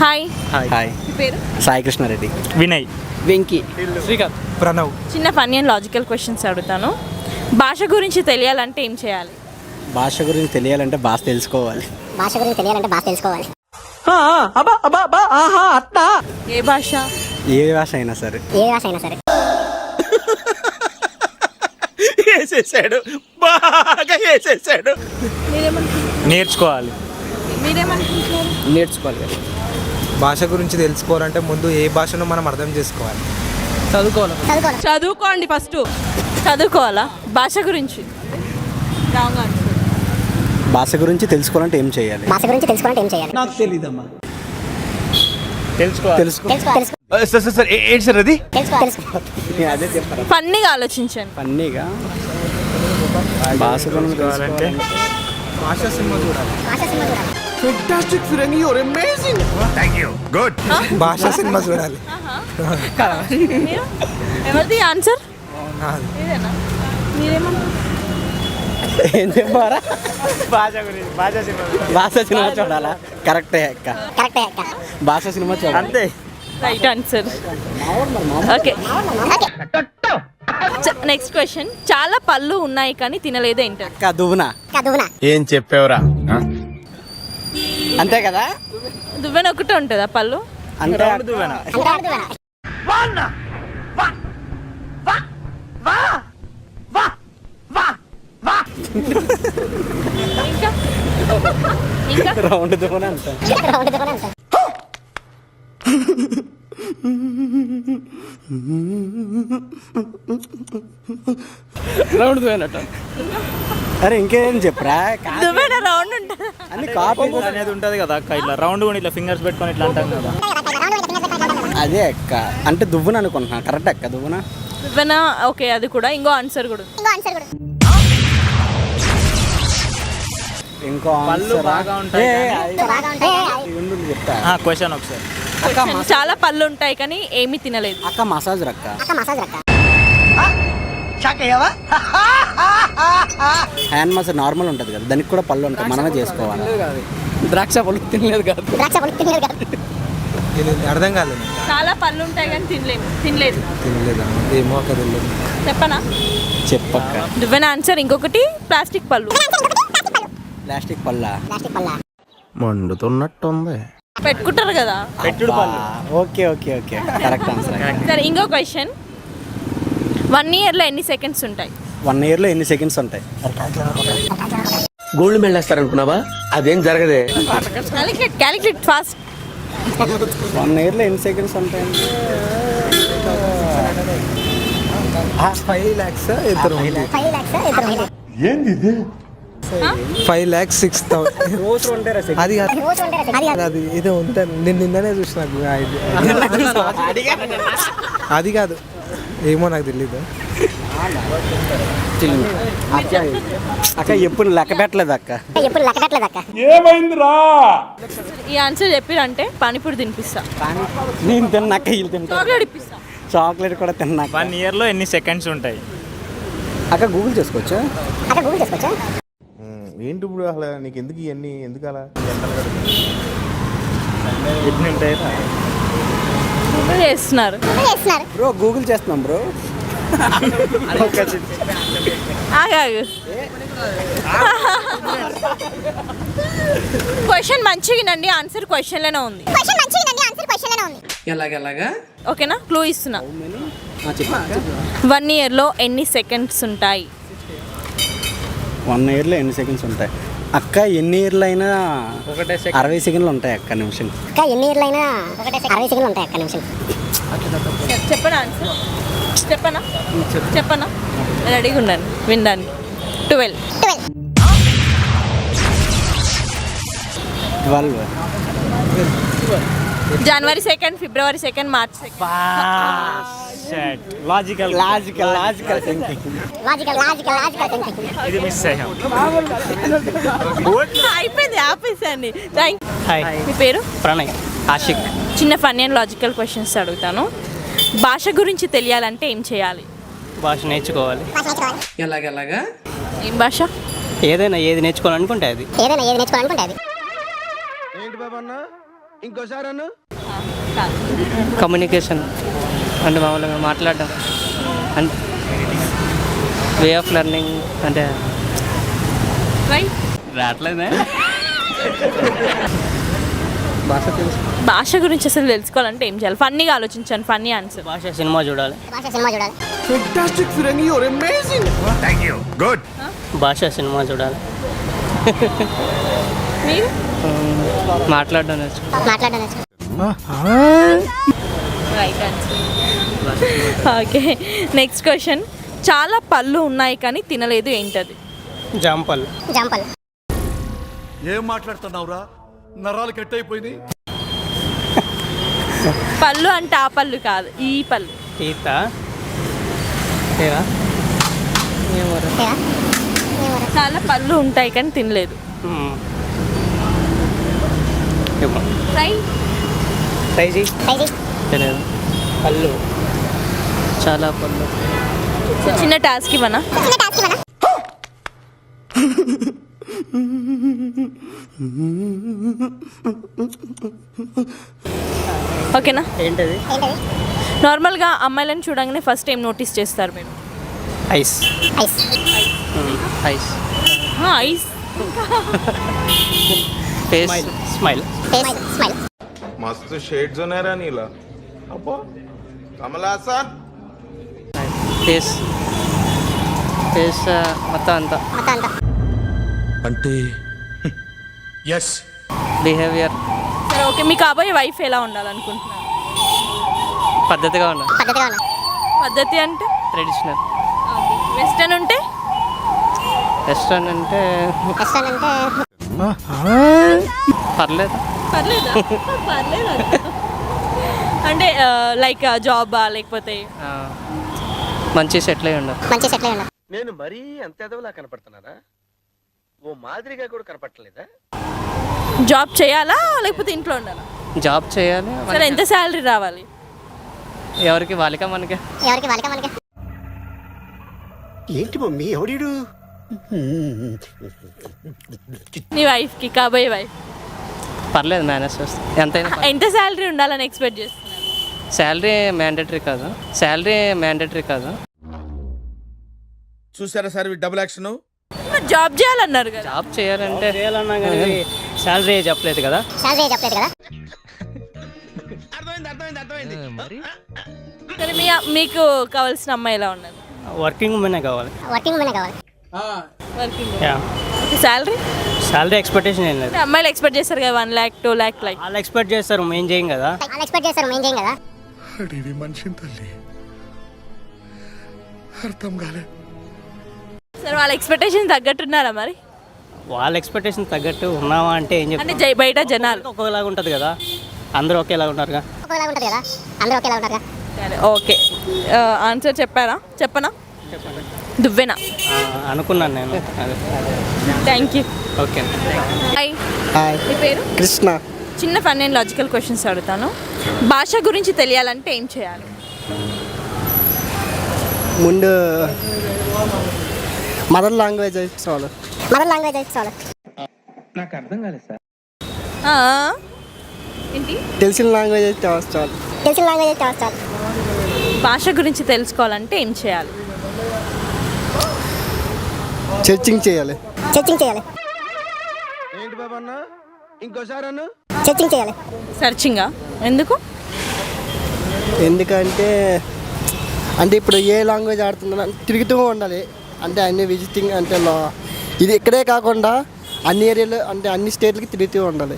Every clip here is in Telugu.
హాయ్. హాయ్. మీ పేరు? సాయి కృష్ణారెడ్డి. వినయ్. వెంకీ. శ్రీకాంత్. ప్రణవ్. చిన్న ఫన్నీ అండ్ లాజికల్ క్వశ్చన్స్ అడుగుతాను. భాష గురించి తెలియాలంటే ఏం చేయాలి? భాష గురించి తెలియాలంటే భాష తెలుసుకోవాలి. ఏ భాష? ఏ భాష అయినా సరే. వేసేసాడు, బాగా వేసేసాడు. మీరేమనుకుంటున్నారు? నేర్చుకోవాలి. మీరేమనుకుంటున్నారు? నేర్చుకోవాలి కదా. భాష గురించి తెలుసుకోవాలంటే ముందు ఏ భాషను మనం అర్థం చేసుకోవాలి. చదువుకోండి ఫస్ట్. చదువుకోవాలా? భాష గురించి రాంగ్ ఆన్సర్. భాష గురించి తెలుసుకోవాలంటే ఏం చేయాలి? నాకు తెలియదమ్మా. తెలుసుకోవాలి. సార్ ఏంటి సార్ అది? అదే చెప్పారు. ఫన్నీగా ఆలోచించండి. ఫన్నీగా భాష గురించి తెలుసుకోవాలంటే భాష సినిమా చూడాలి. భాష సినిమా చూడాలి. మీరు? ఎవరిది ఆన్సర్? నాది. ఇదేనా? మీరేమనుకుంటున్నారు? ఏం చెప్పారా? భాష గురించి, భాష సినిమా. భాష సినిమా చూడాలా? కరెక్టే అక్క. భాష సినిమా చూడాలి. అంతే. Right answer. Okay, next question. చాలా పళ్ళు ఉన్నాయి కానీ తినలేదు ఏంటి? అక్క దువ్వునా. ఏం చెప్పావురా? అంతే కదా? దువ్వెన ఒకటే ఉంటుందా పళ్ళు? అంటే రౌండ్ దువ్వెన. ఇంకా ఇంకా రౌండ్ దువ్వునా అంట. రౌండ్ దువ్వెనట. అరే ఇంకేం చెప్పరా? దువ్వెన రౌండ్ ఉంటుంది. అన్ని కాపీ అనేది ఉంటది కదా అక్క, ఇట్లా రౌండ్ కూడా ఇట్లా ఫింగర్స్ పెట్టుకొని ఇట్లా అంటాం కదా. అదే అక్క, అంటే దువ్వున అనుకుంటున్నా. కరెక్ట్ అక్క, దువ్వున. దువ్వెన ఓకే, అది కూడా. ఇంకో ఆన్సర్ కూడా ఉంది. ఇంకో పళ్ళు answer ఆ? బాగా ఉంటాయి ఉండు చెప్తా. క్వశ్చన్ ఒకసారి. Question. చాలా పళ్ళు ఉంటాయి కానీ ఏమీ తినలేదు. అక్క మసాజ్ రక్క. హ్యాండ్ మసాజ్ నార్మల్ ఉంటుంది కదా, దానికి కూడా పళ్ళు ఉంటాయి, మనమే చేసుకోవాలి. ద్రాక్ష పళ్ళు తినలేదు కాదు. అర్థం కాలేదు. చాలా పళ్ళు ఉంటాయి కానీ తినలేదు. తినలేదా? ఏమో అక్క తెలియదు. చెప్పనా? చెప్పక్క. దువ్వెన ఆన్సర్. ఇంకొకటి ప్లాస్టిక్ పళ్ళు. ప్లాస్టిక్ పళ్ళ. మండుతున్నట్టుంది. పెట్టుకుంటారు కదా. పెట్టుడు పళ్ళు. Okay okay okay, correct answer. సరే, ఇంకో క్వశ్చన్. 1 yearలో ఎన్ని సెకండ్స్ ఉంటాయి? 1 yearలో ఎన్ని సెకండ్స్ ఉంటాయి? గోల్డ్ మెడల్ వేస్తారనుకున్నావా? అదేం జరగదే. Calculate fast. 1 yearలో ఎన్ని సెకండ్స్ ఉంటాయి? 5 lakhs ఇద్దరు 5,06,000. రోజు ఉంటారా? అది కాదు, అది ఏదో ఉంటుంది. నేను నిన్ననే చూసిన. అది కాదు, ఏమో నాకు తెలీదు. అక్క ఎప్పుడు లెక్క పెట్టలేదు అక్క. ఈ ఆన్సర్ చెప్పిరంటే పానీపూరి తినిపిస్తా. నేను తిన్నాక వీళ్ళు తింటా. చాక్లెట్ ఇప్పిస్తా. చాక్లెట్ కూడా తిన్నాక. 1 yearలో ఎన్ని సెకండ్స్ ఉంటాయి? అక్క గూగుల్ చేసుకోవచ్చా? ఏంటి ఇప్పుడు అసలు నీకు ఎందుకు ఇవన్నీ ఎందుకు అలా? ఎన్ని ఉంటాయి? ఇప్పుడు చేస్తున్నారు బ్రో, గూగుల్ చేస్తున్నాం బ్రో. ఆగాగు. క్వశ్చన్ మంచిగా వినండి. ఆన్సర్ క్వశ్చన్లోనే ఉంది. ఎలాగెలాగా? ఓకేనా? క్లూ ఇస్తున్నా. 1 yearలో ఎన్ని సెకండ్స్ ఉంటాయి? 1 yearలో ఎన్ని సెకండ్స్ ఉంటాయి? అక్క ఎన్ని ఇయర్లు అయినా ఒకటే 60 సెకండ్లు ఉంటాయి అక్క, నిమిషం. చెప్పనా ఆన్సర్? చెప్పనా? రెడీగా ఉండండి వినడానికి. 12. 12. January 2nd, February 2nd, March 2nd. Logical thinking. ఇది మిస్ అయ్యాం. అయిపోయింది, ఆపేసండి. థ్యాంక్. హాయ్. మీ పేరు? ప్రణయ్. ఆషిక్. చిన్న ఫన్నీ అండ్ లాజికల్ క్వశ్చన్స్ అడుగుతాను. భాష గురించి తెలియాలంటే ఏం చేయాలి? భాష నేర్చుకోవాలి. ఎలాగెలాగా? ఏం భాష? ఏదైనా ఏది నేర్చుకోవాలనుకుంటే అది. ఏంటి బాబా అన్న కమ్యూనికేషన్ అంటే మామూలుగా మాట్లాడడం అంటే వే ఆఫ్ లెర్నింగ్ అంటే రైట్. రావట్లేదే భాష తెలుసు. భాష గురించి అసలు తెలుసుకోవాలంటే ఏం చేయాలి? ఫన్నీగా ఆలోచించాను, ఫన్నీ ఆన్సర్. భాష సినిమా చూడాలి. భాష సినిమా చూడాలి. మీరు మాట్లాడడం నేర్చుకో. Right answer. Okay, next question. చాలా పళ్ళు ఉన్నాయి కానీ తినలేదు, ఏంటది? జాంపల్. ఏం మాట్లాడుతున్నావురా? నరాలు కట్ అయిపోయింది. పళ్ళు అంటే ఆ పళ్ళు కాదు, ఈ పళ్ళు. టీత చాలా పళ్ళు ఉంటాయి కానీ తినలేదు. రైట్. ట్రై చేయి. తెలియదు. పళ్ళు చాలా పళ్ళు. సో చిన్న టాస్క్ ఇవ్వనా? ఓకేనా? ఏంటది? నార్మల్గా అమ్మాయిలను చూడగానే ఫస్ట్ ఏం నోటీస్ చేస్తారు మీరు? Eyes. Eyes. Eyes. Face. Smile. మస్తు షేడ్స్ ఉన్నాయరా నీలా. అబ్బో కమలాసన్. ఫేస్. ఫేస్ మొత్తం అంతా. అంటే ఎస్. బిహేవియర్. సరే, ఓకే. మీ కాబోయే వైఫ్ ఎలా ఉండాలనుకుంటున్నారు? పద్ధతిగా ఉన్నా. పద్ధతి అంటే ట్రెడిషనల్. వెస్టర్న్ ఉంటే? వెస్ట్రన్ అంటే పర్లేదు. పర్లేదా? పర్లేదు అంటే లైక్ జాబా లేకపోతే మంచి సెటిల్ అయి ఉండాలి. నేను మరీ అంత ఎదవలా కనపడుతున్నారా? ఓ మాదిరిగా కూడా కనపడలేదా? జాబ్ చేయాలా లేకపోతే ఇంట్లో ఉండాలా? జాబ్ చేయాలి. సరే, ఎంత శాలరీ రావాలి? ఎవరికి వాళ్ళకా మనకి? ఏంటి మమ్మీ ఎవడీడు? నీ వైఫ్కి, కాబోయే వైఫ్. పర్లేదు, మేనేజ్ చేస్తాం. ఎంతైనా ఎంత శాలరీ ఉండాలని ఎక్స్పెక్ట్ చేస్తున్నారు? శాలరీ మ్యాండేటరీ కాదు. చూసారా సార్ డబుల్ యాక్షన్. జాబ్ చేయాలన్నారు కదా. జాబ్ చేయాలంటే శాలరీ చెప్పలేదు కదా. సరే, మీకు కావాల్సిన అమ్మాయి ఎలా ఉన్నది? వర్కింగ్ ఉమెనే కావాలి. వర్కింగ్. శాలరీ ఎక్స్పెక్టేషన్ ఏం లేదు. అమ్మాయిలు ఎక్స్పెక్ట్ చేస్తారు కదా 1 lakh 2 lakh లైక్. వాళ్ళు ఎక్స్పెక్ట్ చేస్తారు, మేము చేయం కదా. మనిషిని తల్లి అర్థం కాలే. సరే, వాళ్ళ ఎక్స్పెక్టేషన్ తగ్గట్టున్నారా మరి? వాళ్ళ ఎక్స్పెక్టేషన్ తగ్గట్టు ఉన్నావా అంటే ఏం అంటే చెప్తారు? బయట జనాలు ఒకేలాగా ఉంటుంది కదా, అందరూ ఒకేలాగా ఉంటారుగా. సరే, ఓకే. ఆన్సర్ చెప్పనా? దువ్వెనా? అనుకున్నాను నేను. Thank you. ఓకే. హాయ్, మీ పేరు? కృష్ణ. చిన్న ఫన్ అండ్ లాజికల్ క్వశ్చన్స్ అడుగుతాను. భాష గురించి తెలియాలంటే ఏం చేయాలి? ముందు మదర్ లాంగ్వేజ్ చాలు. నాకు అర్థం కాలేదు సార్. ఏంటి? తెలిసిన లాంగ్వేజ్ చాలు. భాష గురించి తెలుసుకోవాలంటే ఏం చేయాలి? చర్చింగ్ చేయాలి. ఏంటి బాబా అన్న? ఇంకోసారి అన్న. సర్చింగా? ఎందుకు? ఎందుకంటే ఇప్పుడు ఏ లాంగ్వేజ్ ఆడుతుందో తిరుగుతూ ఉండాలి. అంటే అన్ని విజిటింగ్ అంటే ఇది ఇక్కడే కాకుండా అన్ని ఏరియాలు అంటే అన్ని స్టేట్లకి తిరుగుతూ ఉండాలి.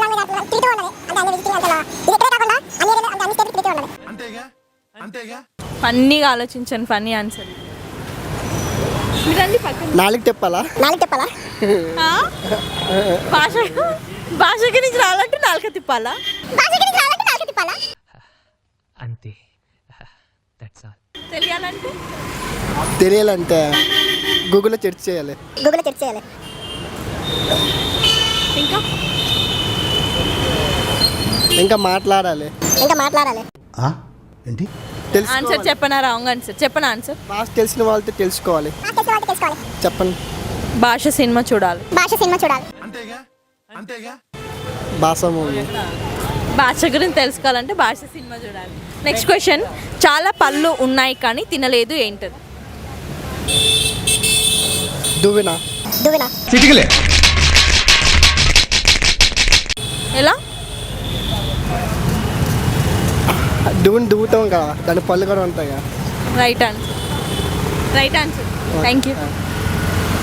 ఫన్నీగా ఆలోచించాను, ఫన్నీ ఆన్సర్. నాలుగు చెప్పాలా? ఆ? భాష గురించి రావాలంటే నాలుక తిప్పాలా? అంతే. తెలియాలంటే గూగుల్లో సెర్చ్ చేయాలి. ఇంకా మాట్లాడాలి. ఏంటి? ఆన్సర్ చెప్పనా? రాంగ్ ఆన్సర్ చెప్పనా? ఆన్సర్ భాష తెలిసిన వాళ్ళతో తెలుసుకోవాలి. చెప్పండి. భాష సినిమా చూడాలి. అంతేగా భాష మూవీ. భాష గురించి తెలుసుకోవాలంటే భాష సినిమా చూడాలి. నెక్స్ట్ క్వశ్చన్, చాలా పళ్ళు ఉన్నాయి కానీ తినలేదు ఏంటది? దువ్వెన. చిటికలే. ఎలా? దువ్వుని దువ్వుతాం కదా, దాని పళ్ళు కూడా ఉంటాయి కదా. Right answer. Thank you.